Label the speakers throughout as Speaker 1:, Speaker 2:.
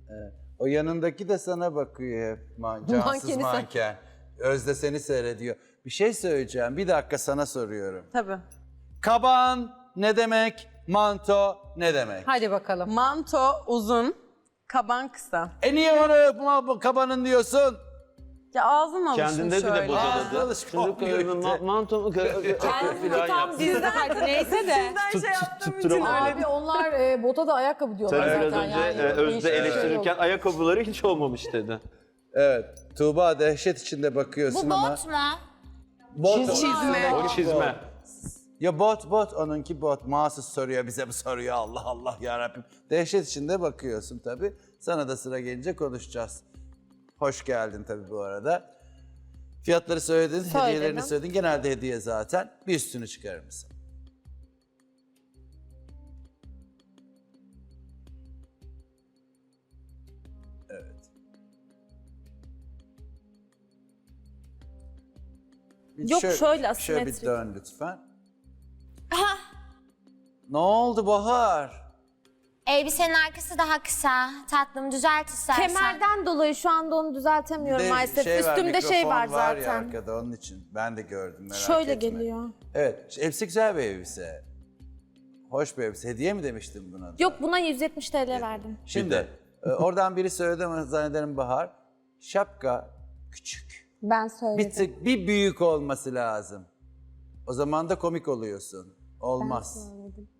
Speaker 1: O yanındaki de sana bakıyor hep. Cansız manken. Özde seni seyrediyor. Bir şey söyleyeceğim. Bir dakika sana soruyorum.
Speaker 2: Tabii.
Speaker 1: Kaban ne demek? Manto ne demek?
Speaker 3: Hadi bakalım.
Speaker 2: Manto uzun, kaban kısa.
Speaker 1: Niye bana kabanın diyorsun?
Speaker 2: Ya ağzım alışmış
Speaker 4: Kendinde bile
Speaker 2: şöyle.
Speaker 4: bocaladı.
Speaker 1: alışık
Speaker 4: Çocuk
Speaker 1: olmuyor.
Speaker 4: mantomu filan
Speaker 3: Tam
Speaker 4: yaptı.
Speaker 3: dizide hadi neyse de.
Speaker 2: Sizden şey yaptığım için
Speaker 4: tutturamadım.
Speaker 2: öyle.
Speaker 5: Abi onlar bota da ayakkabı diyorlar
Speaker 4: Tabii biraz
Speaker 5: zaten
Speaker 4: önce
Speaker 5: yani.
Speaker 4: Özde
Speaker 5: Değişik bir şey
Speaker 4: eleştirirken
Speaker 5: yok.
Speaker 4: ayakkabıları hiç olmamış dedi.
Speaker 1: Evet. Tuğba dehşet içinde bakıyorsun
Speaker 6: Bu
Speaker 1: ama.
Speaker 6: bot mu?
Speaker 1: Bot.
Speaker 2: Çizme.
Speaker 4: O çizme.
Speaker 1: Ya bot, onunki bot. Mahsus soruyor, bize mi soruyor? Allah Allah yarabbim. Dehşet içinde bakıyorsun tabii. Sana da sıra gelince konuşacağız. Hoş geldin tabii bu arada. Fiyatları söyledin, hediyelerini söyledin. Genelde hediye zaten. Bir üstünü çıkarır mısın? Evet. Bir
Speaker 2: Yok, şöyle
Speaker 1: Şöyle bir
Speaker 2: asimetrik.
Speaker 1: dön lütfen. Ne oldu Bahar?
Speaker 6: Elbisenin arkası daha kısa. Tatlım düzelt istersen.
Speaker 7: Kemerden dolayı şu anda onu düzeltemiyorum
Speaker 1: Bir de
Speaker 7: maalesef.
Speaker 1: var,
Speaker 7: Üstümde şey var
Speaker 1: mikrofon var ya
Speaker 7: zaten.
Speaker 1: arkada onun için. Ben de gördüm merak
Speaker 7: Şöyle
Speaker 1: etme.
Speaker 7: geliyor.
Speaker 1: Evet, elbise güzel bir elbise. Hoş bir elbise. Hediye mi demiştin buna?
Speaker 7: Yok, buna 170 TL verdim.
Speaker 1: Şimdi oradan biri söyledi ama zannederim Bahar. Şapka küçük.
Speaker 7: Ben söyledim.
Speaker 1: Bir tık bir büyük olması lazım. O zaman da komik oluyorsun. Olmaz.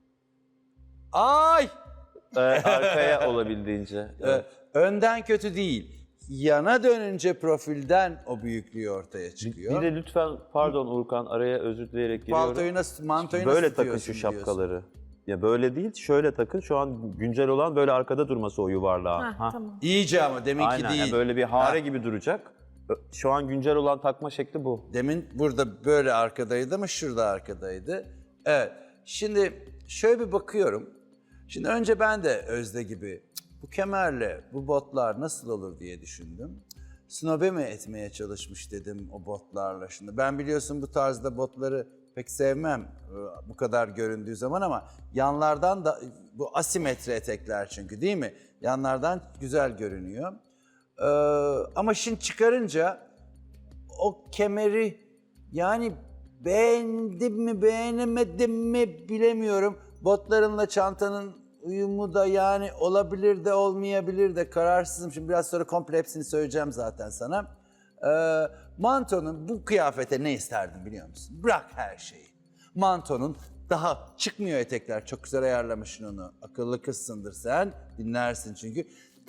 Speaker 1: Ay!
Speaker 4: Arkaya olabildiğince.
Speaker 1: Önden kötü değil. Yana dönünce profilden o büyüklüğü ortaya
Speaker 4: Bir
Speaker 1: çıkıyor.
Speaker 4: de lütfen pardon Urkan araya özür dileyerek giriyorum.
Speaker 1: Paltoyu nasıl, mantoyu nasıl
Speaker 4: Böyle takın
Speaker 1: tutuyorsun
Speaker 4: şu
Speaker 1: diyorsun.
Speaker 4: şapkaları. Ya böyle değil, şöyle takın. Şu an güncel olan böyle arkada durması o yuvarlağın.
Speaker 7: Ha, tamam.
Speaker 1: İyice ama deminki
Speaker 4: Aynen,
Speaker 1: değil.
Speaker 4: yani böyle bir hare
Speaker 1: Ha.
Speaker 4: gibi duracak. Şu an güncel olan takma şekli bu.
Speaker 1: Demin burada böyle arkadaydı ama şurada arkadaydı. Evet. Şimdi şöyle bir bakıyorum. Şimdi önce ben de Özde gibi bu kemerle bu botlar nasıl olur diye düşündüm. Snobe mi etmeye çalışmış dedim o botlarla. Şimdi ben biliyorsun bu tarzda botları pek sevmem bu kadar göründüğü zaman ama yanlardan da bu asimetri etekler çünkü değil mi? Yanlardan güzel görünüyor. Ama şimdi çıkarınca o kemeri yani beğendim mi beğenemedim mi bilemiyorum. Botlarınla çantanın uyumu da yani olabilir de olmayabilir de kararsızım. Şimdi biraz sonra komple hepsini söyleyeceğim zaten sana. Mantonun bu kıyafete ne isterdim biliyor musun? Bırak her şeyi. Mantonun daha çıkmıyor etekler. Çok güzel ayarlamışsın onu. Akıllı kızsındır sen. Dinlersin çünkü.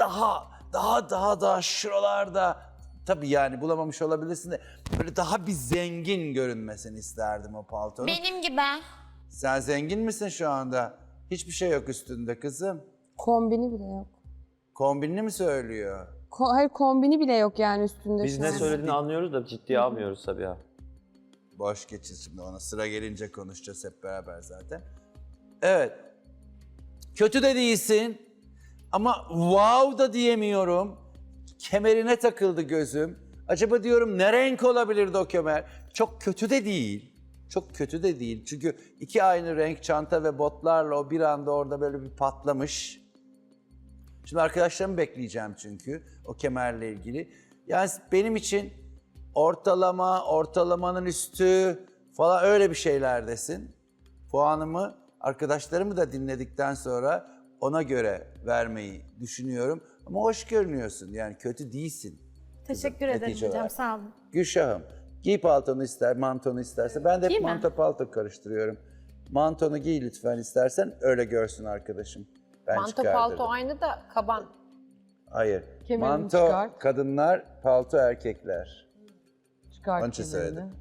Speaker 1: Daha şuralarda tabii yani bulamamış olabilirsin de böyle daha bir zengin görünmesini isterdim o paltonun.
Speaker 6: Benim gibi.
Speaker 1: Sen zengin misin şu anda? Hiçbir şey yok üstünde kızım.
Speaker 7: Kombini bile yok.
Speaker 1: Kombinini mi söylüyor?
Speaker 7: Hayır, kombini bile yok yani üstünde
Speaker 4: Biz
Speaker 7: şu
Speaker 4: ne
Speaker 7: an.
Speaker 4: söylediğini anlıyoruz da ciddiye almıyoruz tabii ya.
Speaker 1: Boş geçin şimdi ona sıra gelince konuşacağız hep beraber zaten. Evet. Kötü de değilsin ama wow da diyemiyorum. Kemerine takıldı gözüm. Acaba diyorum ne renk olabilirdi o kemer? Çok kötü de değil. Çok kötü de değil. Çünkü iki aynı renk çanta ve botlarla o bir anda orada böyle bir patlamış. Şimdi arkadaşlarımı bekleyeceğim çünkü o kemerle ilgili. Yani benim için ortalamanın üstü falan öyle bir şeylerdesin. Puanımı arkadaşlarımı da dinledikten sonra ona göre vermeyi düşünüyorum. Ama hoş görünüyorsun yani kötü değilsin.
Speaker 7: Teşekkür
Speaker 1: Netice
Speaker 7: ederim hocam,
Speaker 1: olarak.
Speaker 7: sağ olun.
Speaker 1: Gülşah'ım giy paltonu ister, mantonu isterse. Ben de hep manto palto karıştırıyorum. Mantonu giy lütfen istersen öyle görsün arkadaşım. Ben
Speaker 3: Manto
Speaker 1: çıkardırdım.
Speaker 3: palto aynı da kaban.
Speaker 1: Hayır.
Speaker 5: Kemerini
Speaker 1: Manto
Speaker 5: çıkart.
Speaker 1: kadınlar, palto erkekler.
Speaker 5: Çıkart
Speaker 1: Onun için
Speaker 5: kemerini.
Speaker 1: söyledim.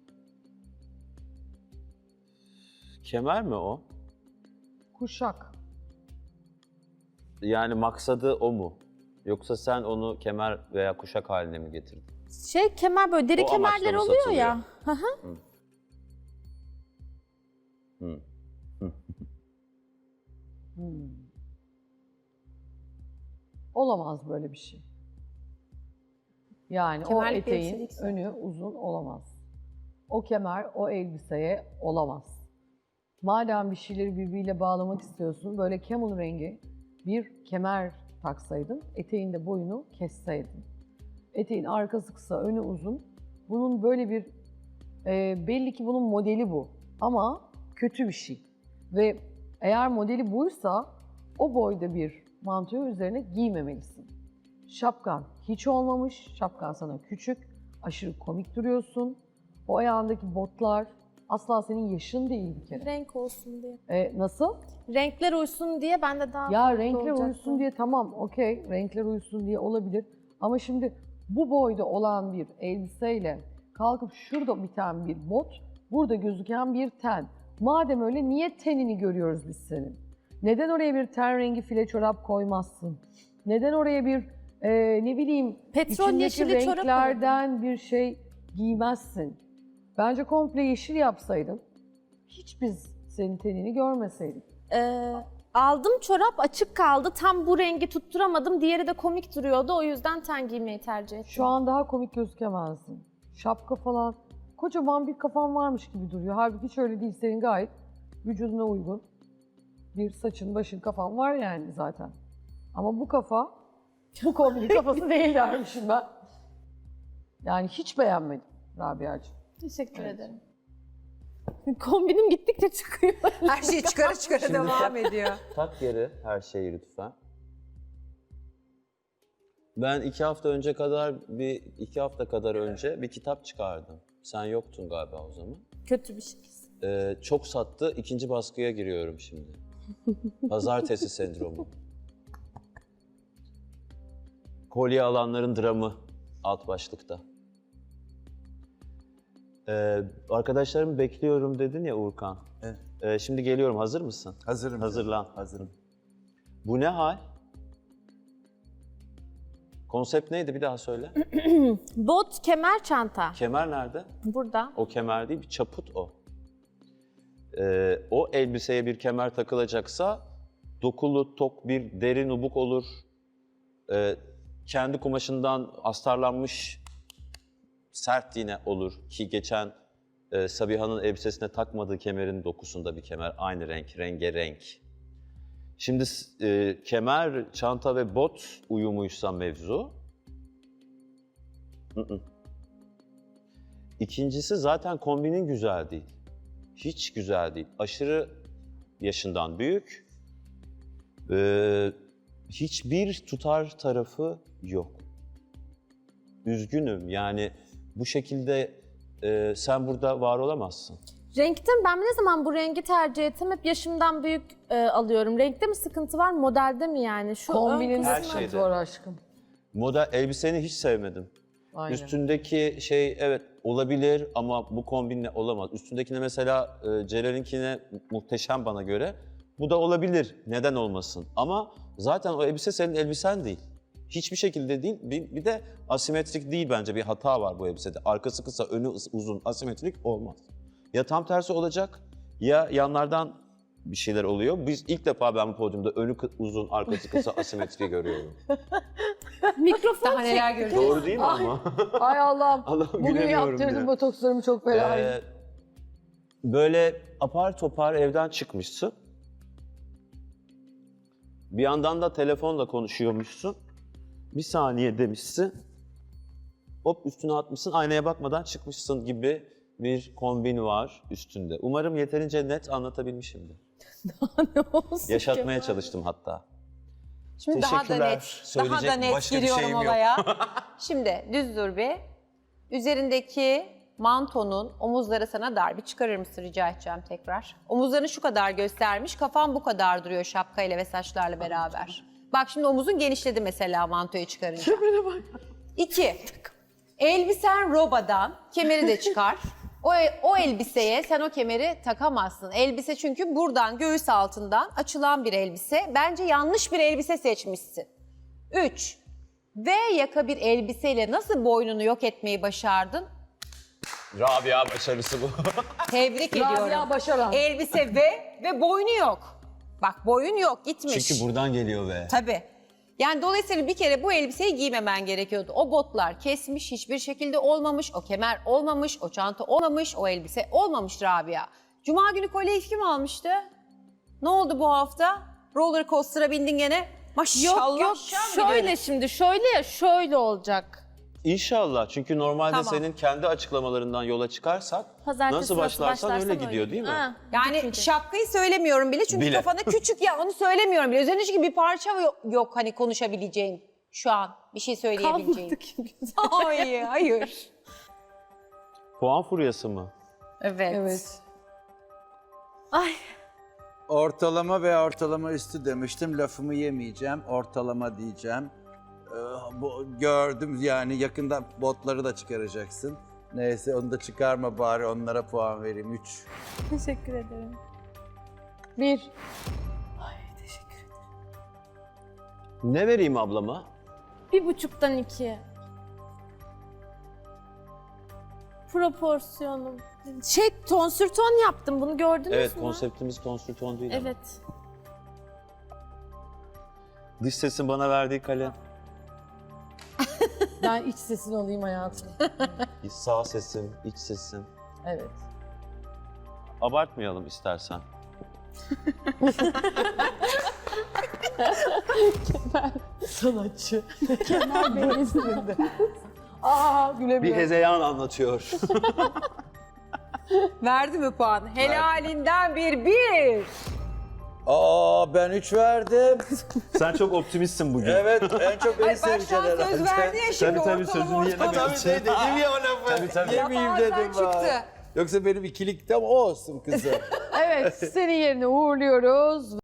Speaker 4: Kemer mi o?
Speaker 5: Kuşak.
Speaker 4: Yani maksadı o mu? Yoksa sen onu kemer veya kuşak haline mi getirdin?
Speaker 7: Kemer böyle deri
Speaker 4: O amaçla
Speaker 7: kemerler
Speaker 4: mı
Speaker 7: oluyor
Speaker 4: satılıyor?
Speaker 7: ya.
Speaker 5: Olamaz böyle bir şey. Yani o
Speaker 7: Kemerlik bir
Speaker 5: eteğin
Speaker 7: elbiselikse.
Speaker 5: önü uzun olamaz. O kemer o elbiseye olamaz. Madem bir şeyleri birbiriyle bağlamak istiyorsun, böyle camel rengi bir kemer taksaydın, eteğin de boyunu kesseydin. Eteğin arkası kısa, önü uzun. Bunun böyle bir, belli ki bunun modeli bu. Ama kötü bir şey. Ve eğer modeli buysa o boyda bir mantoyu üzerine giymemelisin. Şapkan hiç olmamış, şapkan sana küçük, aşırı komik duruyorsun. O ayağındaki botlar asla senin yaşın değil bir kere.
Speaker 7: Renk olsun diye.
Speaker 5: Nasıl?
Speaker 7: Renkler uysun diye ben de daha
Speaker 5: Ya
Speaker 7: farklı
Speaker 5: renkler
Speaker 7: olacaktı.
Speaker 5: uyusun diye tamam, okey, renkler uyusun diye olabilir. Ama şimdi bu boyda olan bir elbiseyle kalkıp şurada biten bir bot, burada gözüken bir ten. Madem öyle niye tenini görüyoruz biz senin? Neden oraya bir ten rengi file çorap koymazsın? Neden oraya bir ne bileyim
Speaker 7: Petrol
Speaker 5: içindeki
Speaker 7: yeşili çorap
Speaker 5: renklerden bir şey giymezsin? Bence komple yeşil yapsaydın, hiç biz senin tenini görmeseydik.
Speaker 7: Aldım çorap açık kaldı. Tam bu rengi tutturamadım. Diğeri de komik duruyordu. O yüzden ten giymeyi tercih ettim.
Speaker 5: Şu an daha komik gözükemezdin. Şapka falan, kocaman bir kafan varmış gibi duruyor. Halbuki hiç öyle değil, senin gayet vücuduna uygun bir saçın, başın, kafan var yani zaten. Ama bu kafa, bu kombinin kafası değil dermişim ben. Yani hiç beğenmedim Rabia'cığım.
Speaker 7: Teşekkür ederim. Kombinim gittikçe çıkıyor.
Speaker 3: Her şey çıkara çıkara devam ediyor.
Speaker 4: Tak geri her şeyi lütfen. Ben 2 hafta kadar önce bir kitap çıkardım. Sen yoktun galiba o zaman.
Speaker 7: Kötü bir şey.
Speaker 4: Çok sattı. 2. baskıya giriyorum şimdi. Pazartesi sendromu. Kolye alanların dramı alt başlıkta. Arkadaşlarımı bekliyorum dedin ya Uğurkan.
Speaker 1: Evet.
Speaker 4: Şimdi geliyorum. Hazır mısın?
Speaker 1: Hazırım.
Speaker 4: Hazırlan.
Speaker 1: Hazırım.
Speaker 4: Bu ne hal? Konsept neydi? Bir daha söyle.
Speaker 7: Bot, kemer, çanta.
Speaker 4: Kemer nerede?
Speaker 7: Burada.
Speaker 4: O kemer değil, bir çaput o. O elbiseye bir kemer takılacaksa dokulu, tok bir deri nubuk olur. Kendi kumaşından astarlanmış sert yine olur ki geçen Sabiha'nın elbisesine takmadığı kemerin dokusunda bir kemer. Aynı renk, rengarenk. Şimdi kemer, çanta ve bot uyumuysa mevzu. İkincisi zaten kombinin güzel değil. Hiç güzel değil. Aşırı yaşından büyük. Hiçbir tutar tarafı yok. Üzgünüm yani bu şekilde sen burada var olamazsın.
Speaker 7: Renkte mi? Ben ne zaman bu rengi tercih ettim? Hep yaşımdan büyük alıyorum. Renkte mi sıkıntı var? Modelde mi yani? Şu
Speaker 5: Kombinin
Speaker 4: Her
Speaker 5: de
Speaker 4: şeyde.
Speaker 5: zor aşkım.
Speaker 4: Moda elbiseni hiç sevmedim.
Speaker 5: Aynen.
Speaker 4: Üstündeki şey evet olabilir ama bu kombinle olamaz. Üstündekine mesela Celal'inkine muhteşem bana göre. Bu da olabilir. Neden olmasın? Ama zaten o elbise senin elbisen değil. Hiçbir şekilde değil. Bir de asimetrik değil bence. Bir hata var bu elbisede. Arkası kısa, önü uzun, asimetrik olmaz. Ya tam tersi olacak ya yanlardan bir şeyler oluyor. Biz ilk defa ben bu podyumda önü uzun, arkası kısa asimetri görüyorum.
Speaker 7: Mikrofon
Speaker 3: Daha neler göreceğiz.
Speaker 4: Doğru değil mi ama?
Speaker 5: Ay Allah'ım,
Speaker 4: Allah'ım
Speaker 5: bugün
Speaker 4: gülemiyorum
Speaker 5: yaptırdım
Speaker 4: bile.
Speaker 5: botokslarımı çok fena.
Speaker 4: Böyle apar topar evden çıkmışsın. Bir yandan da telefonla konuşuyormuşsun. Bir saniye demişsin. Hop üstüne atmışsın, aynaya bakmadan çıkmışsın gibi bir kombin var üstünde. Umarım yeterince net anlatabilmişimdir.
Speaker 7: ne olsun
Speaker 4: Yaşatmaya
Speaker 7: Kemal?
Speaker 4: çalıştım hatta.
Speaker 3: Şimdi daha da
Speaker 4: Teşekkürler.
Speaker 3: net,
Speaker 4: Söyleyecek
Speaker 3: daha da net
Speaker 4: başka bir
Speaker 3: giriyorum
Speaker 4: şeyim yok.
Speaker 3: olaya. Şimdi düz dur bir. Üzerindeki mantonun omuzları sana dar. Bir çıkarır mısın rica edeceğim tekrar. Omuzlarını şu kadar göstermiş, kafan bu kadar duruyor şapkayla ve saçlarla beraber. Bak şimdi omuzun genişledi mesela mantoyu çıkarınca. 2. Elbisen robadan, kemeri de çıkar. O elbiseye sen o kemeri takamazsın. Elbise çünkü buradan göğüs altından açılan bir elbise. Bence yanlış bir elbise seçmişsin. 3. V yaka bir elbiseyle nasıl boynunu yok etmeyi başardın?
Speaker 4: Rabia başarısı bu.
Speaker 3: Tebrik
Speaker 5: Rabia
Speaker 3: ediyorum.
Speaker 5: başaran.
Speaker 3: Elbise V ve boynu yok. Bak boyun yok, gitmiş.
Speaker 4: Çünkü buradan geliyor be.
Speaker 3: Tabii. Yani dolayısıyla bir kere bu elbiseyi giymemen gerekiyordu. O botlar kesmiş, hiçbir şekilde olmamış, o kemer olmamış, o çanta olmamış, o elbise olmamış Rabia. Cuma günü kolyeyi kim almıştı? Ne oldu bu hafta? Roller coaster'a bindin gene. Maşallah.
Speaker 7: Yok şöyle şimdi şöyle ya şöyle olacak.
Speaker 4: İnşallah. Çünkü normalde
Speaker 3: Tamam.
Speaker 4: senin kendi açıklamalarından yola çıkarsak
Speaker 7: Pazartesi
Speaker 4: nasıl başlarsan öyle gidiyor değil mi?
Speaker 7: Ha,
Speaker 3: Yani
Speaker 7: çünkü.
Speaker 3: şapkayı söylemiyorum bile çünkü
Speaker 4: Bile.
Speaker 3: kafana küçük ya onu söylemiyorum bile. Üzerinde çünkü bir parça yok hani konuşabileceğin şu an bir şey söyleyebileceğin.
Speaker 7: Kalmadı ki.
Speaker 3: Hayır, hayır.
Speaker 4: Puan furyası mı?
Speaker 3: Evet.
Speaker 5: Evet.
Speaker 7: Ay
Speaker 1: Ortalama ve ortalama üstü demiştim. Lafımı yemeyeceğim. Ortalama diyeceğim. Bu gördüm yani yakında botları da çıkaracaksın. Neyse onu da çıkarma bari onlara puan vereyim. 3.
Speaker 7: teşekkür ederim.
Speaker 5: 1.
Speaker 4: Ne vereyim ablama?
Speaker 7: 1,5'tan 2. Proporsiyonum. Ton sür ton yaptım bunu gördünüz
Speaker 4: Evet,
Speaker 7: mü?
Speaker 4: konseptimiz tonsür ton değil ama.
Speaker 7: Evet.
Speaker 4: Dış sesin bana verdiği kalem.
Speaker 5: Ben iç sesini alayım hayatım.
Speaker 4: Sağ sesim, iç sesim.
Speaker 5: Evet.
Speaker 4: Abartmayalım istersen.
Speaker 5: Sanatçı. Kemal Bey'in isminde. Aa
Speaker 4: Bir
Speaker 5: gülemiyorum.
Speaker 4: hezeyan anlatıyor.
Speaker 3: Verdi mi puan? Helalinden bir.
Speaker 1: Aa ben 3 verdim.
Speaker 4: Sen çok optimistsin bugün.
Speaker 1: Evet en çok beni
Speaker 3: Ay ben şu an
Speaker 1: seveceksin
Speaker 3: söz
Speaker 1: herhalde.
Speaker 3: verdi ya şimdi
Speaker 4: Tabii, sözünü
Speaker 3: ortalama.
Speaker 1: Tabii dedim ya o lafı. Yemeyeyim
Speaker 3: Laf ağızdan
Speaker 1: dedim
Speaker 3: çıktı.
Speaker 1: ben. Yoksa benim ikilikte o olsun kızım.
Speaker 5: Evet, senin yerine uğurluyoruz